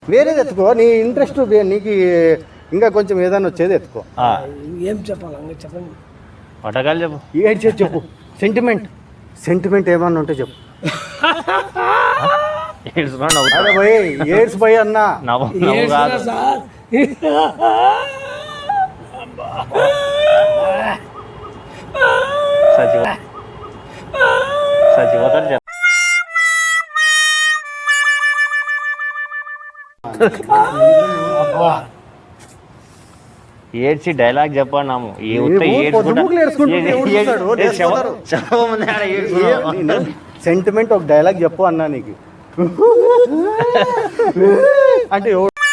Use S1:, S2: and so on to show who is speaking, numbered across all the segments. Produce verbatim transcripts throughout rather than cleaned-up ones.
S1: వేరేది ఎత్తుకో, నీ ఇంట్రెస్ట్ నీకు ఇంకా కొంచెం ఏదైనా వచ్చేది ఎత్తుకో.
S2: ఏం చెప్పాలి చెప్పండి.
S3: పటకాలు చెప్పు,
S1: ఏడ్చేది చెప్పు. సెంటిమెంట్ సెంటిమెంట్ ఏమన్నా ఉంటే చెప్పు. అరే భయ్ ఏడ్స్ భయ్ అన్నా
S3: సచివ సచివతలు చెప్ప ఏడ్చి డైలాగ్ చెప్పన్నాము.
S1: సెంటిమెంట్ ఒక డైలాగ్ చెప్పు అన్నా నీకు అంటే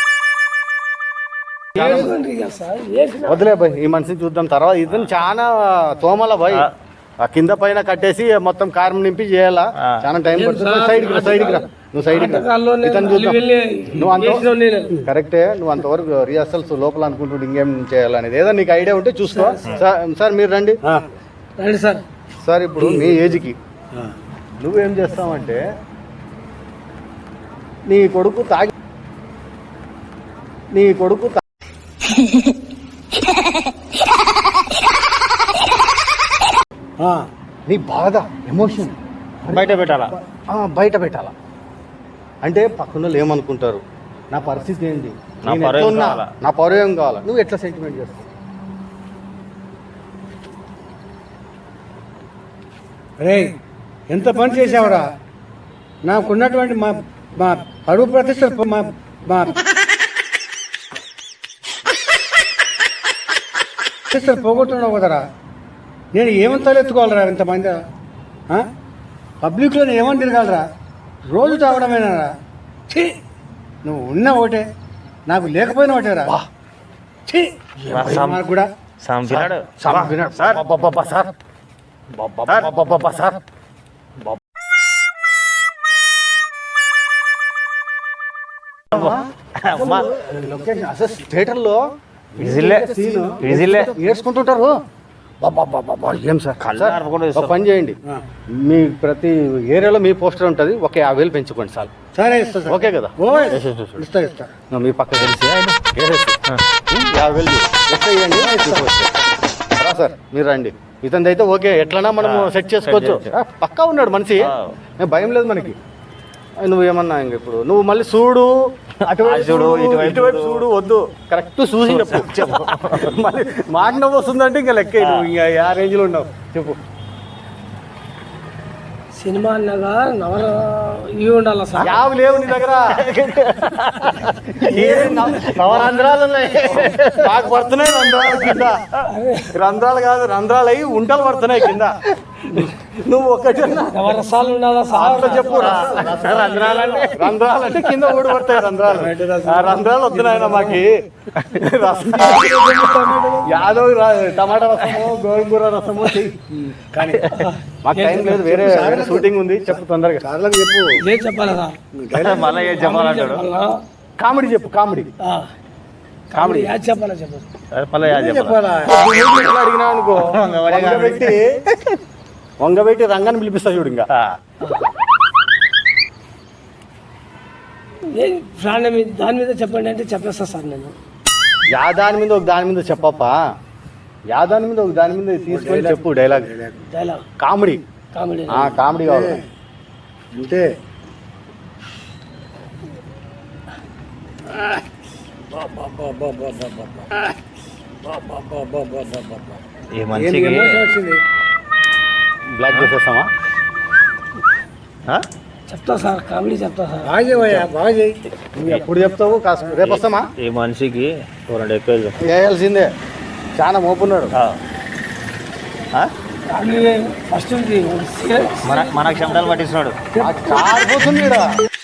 S1: వదిలే భయ్, ఈ మనిషిని చూద్దాం తర్వాత. ఇతను చాలా తోమల భయ్, ఆ కింద పైన కట్టేసి మొత్తం కారం నింపి చేయాలా, చాలా టైం పడుతుంది. సైడ్కి రా, సైడ్కి రా, నువ్వు సైడ్కి రా. ఇతను చూద్దాం. నువ్వు అంత కరెక్టే, నువ్వు అంతవరకు రిహర్సల్స్ లోపల అనుకుంటుంటే ఇంకేం చేయాలనేది ఏదో నీకు ఐడియా ఉంటే చూసుకో. సార్ మీరు రండి
S2: రండి సార్.
S1: సార్ ఇప్పుడు మీ ఏజ్కి నువ్వేం చేస్తావంటే, నీ కొడుకు తాగి నీ కొడుకు నీ బాధ ఎమోషన్
S3: బయట పెట్టాలా,
S1: బయట పెట్టాలా. అంటే పక్కన వాళ్ళు ఏమనుకుంటారు, నా పరిస్థితి ఏంటి, నా పరువు ఏం కావాలా, నువ్వు ఎట్లా సెంటిమెంట్ చేస్తావు?
S2: రే ఎంత పని చేసావురా, నాకున్నటువంటి మా మా పరువు ప్రతిష్ట మా మా ప్రతిష్టలు పోగొట్టున్నావు కదరా. నేను ఏమని తలెత్తుకోవాలరా ఇంతమంది పబ్లిక్లో నేను ఏమని తిరగాలరా, రోజు తాగడమేనారా. ఛీ, నువ్వు ఉన్న ఒకటే, నాకు లేకపోయినా ఒకటేరా. ఛీ కూడా
S1: థియేటర్ లో ఏడ్చుకుంటుంటారు. ఏం సార్ పని చేయండి, మీ ప్రతి ఏరియాలో మీ పోస్టర్ ఉంటుంది, ఒక యాభై వేలు పెంచుకోండి సార్.
S2: సరే
S1: ఓకే కదా,
S2: ఇస్తా ఇస్తా
S1: మీ పక్క తెలిసి యాభై వేలు ఎట్లా ఇవ్వండి. రా సార్ మీరు రండి. ఇతనిది అయితే ఓకే, ఎట్లన్నా మనం సెట్ చేసుకోవచ్చు. పక్కా ఉన్నాడు మనిషి, భయం లేదు మనకి. నువ్వేమన్నా ఇంక ఇప్పుడు నువ్వు మళ్ళీ చూడు అటువైపు చూడు ఇటువైపు చూడు వద్దు, కరెక్ట్ చూసి చెప్పు చెప్పు. మళ్ళీ మాట నవ్వు వస్తుందంటే ఇంకా లెక్క, నువ్వు ఇంకా ఆ రేంజ్లో ఉన్నావు. చెప్పు.
S2: సినిమా అన్నగా నవల ఇవి ఉండాలి సార్.
S1: యావి లేవు నీ దగ్గర, నవరంధ్రాలు ఉన్నాయి. నాకు పడుతున్నాయి రంధ్రాలు కింద, రంధ్రాలు కాదు రంధ్రాలు అయ్యి ఉంటలు పడుతున్నాయి కింద. నువ్వు ఒక్కటి
S2: నవరసాలు ఉండాలా సార్
S1: చెప్పు. రంధ్రాలు అంటే రంధ్రాలు అంటే కింద ఊడి పడతాయి రంధ్రాలు. రంధ్రాలు వస్తున్నాయి మాకి. యాదవ్ టమాటా రసము గోంగూర రసము కానీ మాకు టైం లేదు, వేరే షూటింగ్ ఉంది. చెప్పు తొందరగా చెప్పు.
S2: ఏం చెప్పాలా సార్,
S3: మళ్ళీ ఏం చెప్పాలంటాడు.
S1: కామెడీ చెప్పు, కామెడీ
S2: కామెడీ యాడ్ చెప్పాలా చెప్పు.
S1: చెప్పాలా అడిగినా అనుకో, వంగబెట్టి వంగబెట్టి రంగాన్ని పిలిపిస్తా చూడు. ఇంకా
S2: దాని మీద చెప్పండి అంటే చెప్పేస్తా సార్. నేను
S1: యా దాని మీద ఒక దాని మీద చెప్పప్పా, యా దాని మీద ఒక దాని మీద తీసుకొని చెప్పు. Dialogue
S2: dialogue
S1: comedy
S2: comedy
S1: comedy కావాలి
S2: అంతే.
S3: ఈ మనిషికి
S1: బ్లాక్ చేసేస్తామా?
S2: చెప్తా సార్, కామెడీ చెప్తా సార్.
S1: బాగా బాగా చేయి. నువ్వు ఎప్పుడు చెప్తావు? కాస్త రేపు వస్తామా?
S3: ఈ మనిషికి రెండు ఎక్కువ
S1: వేయాల్సిందే, చాలా మోపున్నాడు.
S2: ఫస్ట్
S3: మన మన క్షమతలు పట్టిస్తున్నాడు.
S1: కారిపోతుంది.